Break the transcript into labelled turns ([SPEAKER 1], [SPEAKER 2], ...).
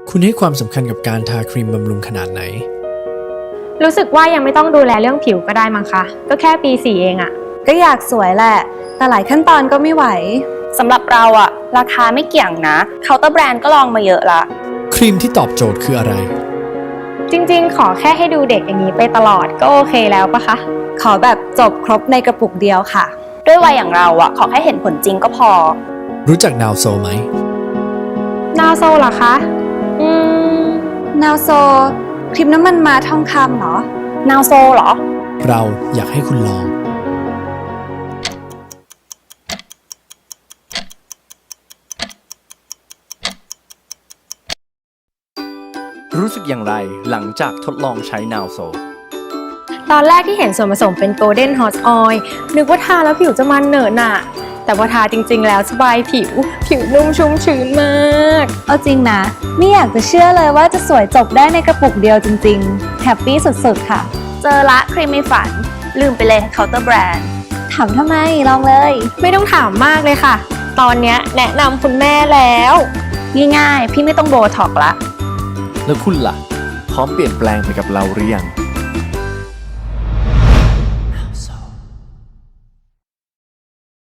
[SPEAKER 1] คุณให้ความสำคัญกับการทาครีมบำรุงขนาดไหน
[SPEAKER 2] รู้สึกว่ายังไม่ต้องดูแลเรื่องผิวก็ได้มั้งคะ ก็แค่ปี 4 เองอะ
[SPEAKER 3] ก็อยากสวยแหละ แต่หลายขั้นตอนก็ไม่ไหว
[SPEAKER 4] สำหรับเราอะราคาไม่เกี่ยงนะเคาน์เตอร์แบรนด์ก็ลองมาเยอะละ
[SPEAKER 1] ครีมที่ตอบโจทย์คืออะไร
[SPEAKER 2] จริงๆ ขอแค่ให้ดูเด็กอย่างนี้ไปตลอดก็โอเคแล้วปะคะ
[SPEAKER 3] ขอแบบจบครบในกระปุกเดียวค่ะ
[SPEAKER 4] ด้วยวัยอย่างเราอะขอแค่เห็นผลจริงก็พอ
[SPEAKER 1] รู้จักนาวโซไหม
[SPEAKER 2] นาวโซเหรอคะ
[SPEAKER 3] นาวโซครีมน้ำมันม้าทองคำเหรอ
[SPEAKER 4] นาวโซเหรอ
[SPEAKER 1] เราอยากให้คุณลอง
[SPEAKER 5] รู้สึกอย่างไรหลังจากทดลองใช้นาวโซ
[SPEAKER 2] ตอนแรกที่เห็นส่วนผสมเป็น Golden Hot Oil นึกว่าทาแล้วผิวจะมันเหนอะหนะแต่พอทาจริงๆแล้วสบายผิวนุ่มชุ่มชื้นมาก
[SPEAKER 3] เอาจริงนะ ไม่อยากจะเชื่อเลยว่าจะสวยจบได้ในกระปุกเดียวจริงๆ แฮปปี้สุดๆค่ะ
[SPEAKER 4] เจอละครีมในฝันลืมไปเลยเคาน์เตอร์แบรนด์
[SPEAKER 3] ถามทำไมลองเลย
[SPEAKER 2] ไม่ต้องถามมากเลยค่ะ ตอนเนี้ยแนะนำคุณแม่แล้ว
[SPEAKER 4] ง่ายๆ พี่ไม่ต้องโบท็อกซ์ละ
[SPEAKER 5] แล้วคุณล่ะ พร้อมเปลี่ยนแปลงไปกับเราหรือยัง